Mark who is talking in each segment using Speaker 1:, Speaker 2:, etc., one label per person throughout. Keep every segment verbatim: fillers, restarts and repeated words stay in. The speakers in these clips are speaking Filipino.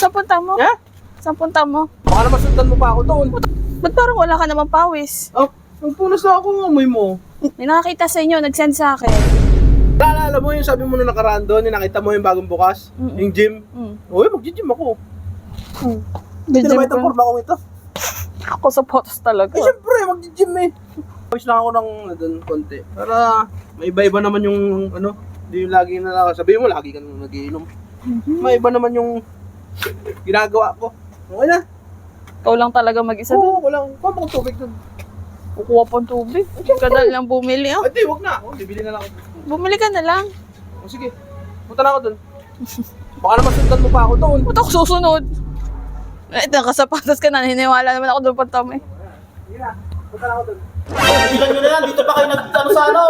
Speaker 1: Saan punta mo?
Speaker 2: Ha?
Speaker 1: Saan punta mo?
Speaker 2: Baka naman sundan mo pa ako doon.
Speaker 1: Ba't parang wala ka namang pawis?
Speaker 2: Oh, nagpunas na ako ng amoy mo.
Speaker 1: May nakakita sa inyo, nag-send sa akin.
Speaker 2: Naalala mo yung sabi mo na nakaraan doon, yung nakita mo yung bagong bukas?
Speaker 1: Mm-mm.
Speaker 2: Yung gym?
Speaker 1: Mm.
Speaker 2: Uy, mag-gym ako.
Speaker 1: Hmm.
Speaker 2: Hindi na ba itong forma kong ito?
Speaker 1: Ako sa photos talaga.
Speaker 2: Eh, syempre, mag-gym eh. Pawis lang ako ng ano, doon, konti. Para may iba-iba naman yung ano, hindi yung lagi na lang. Sabihin mo, lagi ka nang nagiinom. May iba naman yung ginagawa ko. Okay na.
Speaker 1: Ikaw lang talaga mag-isa doon.
Speaker 2: Oo, walang, kuha mo kong tubig doon.
Speaker 1: Kukuha pang tubig. Ka na lang bumili. Oh.
Speaker 2: Hindi, wag na. Oh, bibili na lang ako.
Speaker 1: Bumili ka na lang.
Speaker 2: O sige, punta na ako doon. Baka naman sundan mo pa ako doon.
Speaker 1: Ba't ako susunod? Eh, nakasapatos ka na. Hiniwala naman ako doon punta mo eh.
Speaker 2: Sige na, punta na ako doon.
Speaker 3: Ilan nyo na yan, dito pa kayo nag, ano sa ano?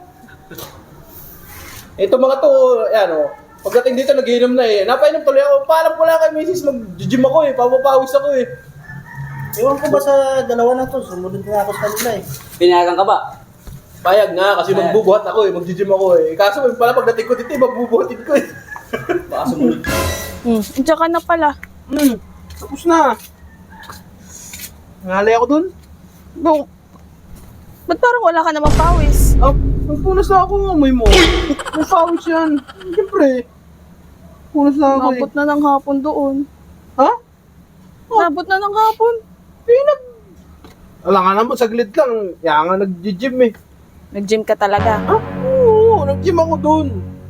Speaker 2: Ito mga to, yan o. Pagdating dito, nagiinom na eh. Napainom tuloy ako. Paalam ko lang kay misis, mag-gym ako eh. Papapawis ako eh.
Speaker 3: Ewan ko ba sa dalawa na to, sumunod na ako sa kanila eh.
Speaker 4: Pinayagan ka ba?
Speaker 2: Payag nga, kasi magbubuhat ako eh. Mag-gym ako eh. Kaso pala pagdating ko dito, eh, magbubuhatin ko eh.
Speaker 4: Baka sumunod.
Speaker 1: Hmm. Diyan ka na pala.
Speaker 2: Hmm, tapos na. Ngalay ako dun.
Speaker 1: No. Ba't parang wala ka namang pawis?
Speaker 2: Ah, nagpunas na ako ng amoy mo. May pawis yan. Siyempre. Punas na ako eh.
Speaker 1: Nabot na ng hapon doon.
Speaker 2: Ha?
Speaker 1: Nabot na ng hapon.
Speaker 2: Pinag... Wala nga naman, saglit lang. Kaya nga nag-gym eh.
Speaker 1: Nag-gym ka talaga.
Speaker 2: Ah, oo, nag-gym ako dun.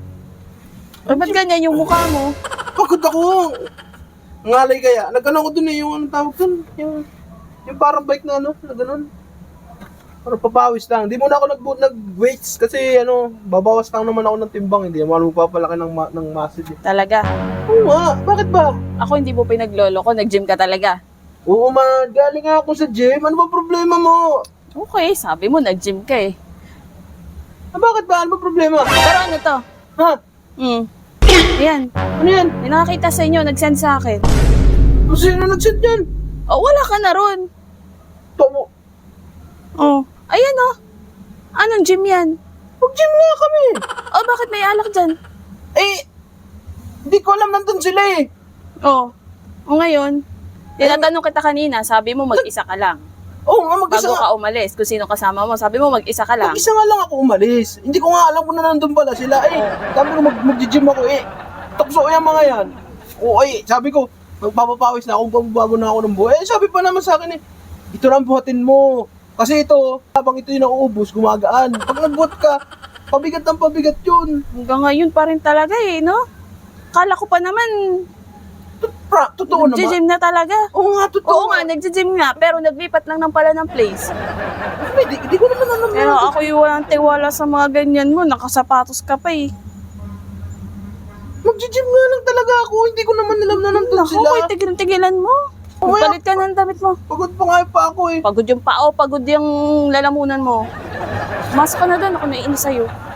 Speaker 1: Eh, ba't ganyan yung mukha mo?
Speaker 2: Pagod ako. Ngalay kaya. Nag-ano ko dun eh, yung anong tawag dun? Yung, yung parang bike na ano, na ganun. Parang papawis lang. Hindi muna ako nag- nag-weights kasi ano, babawas lang naman ako ng timbang. Hindi naman magpapalaki ng, ma- ng muscle eh.
Speaker 1: Talaga.
Speaker 2: Oo nga, bakit ba?
Speaker 1: Ako hindi mo pinaglolo ko. Nag-gym ka talaga.
Speaker 2: Oo ma, galing nga ako sa gym. Ano ba problema mo?
Speaker 1: Okay, sabi mo nag-gym ka eh.
Speaker 2: Ah, bakit ba? Ano ba problema?
Speaker 1: Pero ano to?
Speaker 2: Ha?
Speaker 1: Hmm. Ayan.
Speaker 2: Ano yan?
Speaker 1: May nakakita sa inyo, nag-send sa akin.
Speaker 2: Kung sino nag-send yan?
Speaker 1: Oh, wala ka na ron.
Speaker 2: Tomo.
Speaker 1: Oh. Ayan oh. Anong gym yan?
Speaker 2: Mag-gym nga kami.
Speaker 1: Oh, bakit may alak dyan?
Speaker 2: Eh, hindi ko alam nandun sila eh.
Speaker 1: Oh. O ngayon, tinatanong kita kanina, sabi mo mag-isa ka lang.
Speaker 2: Oo nga, mag-isa
Speaker 1: Bago
Speaker 2: nga.
Speaker 1: ka umalis, kung sino kasama mo, sabi mo mag-isa ka lang.
Speaker 2: Mag-isa nga lang ako umalis. Hindi ko nga alam kung na nandun pala sila. Eh, sabi ko mag- mag-gym ako eh. Tukso yung mga yan. Oo eh, sabi ko, magpapapawis na ako, bago na ako ng buhay. Eh, sabi pa naman sa akin eh, ito lang buhatin mo. Kasi ito, habang ito yung nauubos, gumagaan. Pag nagbuhat ka, pabigat ng pabigat yun.
Speaker 1: Hanggang ngayon pa rin talaga eh, no? Kala ko pa naman,
Speaker 2: Pra, totoo naman.
Speaker 1: nag-gym na talaga.
Speaker 2: Oo nga, totoo.
Speaker 1: Oo nga, nag-gym nga, pero naglipat lang ng pala ng place.
Speaker 2: Hindi, hindi ko naman alam.
Speaker 1: Pero ako yung walang tiwala sa mga ganyan mo, nakasapatos ka pa eh.
Speaker 2: Mag-gym nga lang talaga ako. Hindi ko naman alam na nandun
Speaker 1: Naku,
Speaker 2: sila.
Speaker 1: ko'y tigil-tigilan mo.
Speaker 2: Oo,
Speaker 1: Palit ka ng damit mo.
Speaker 2: Pagod pa nga pa ako eh.
Speaker 1: Pagod yung pao, pagod yung lalamunan mo. Masok ka na doon, ako naiinis sa'yo.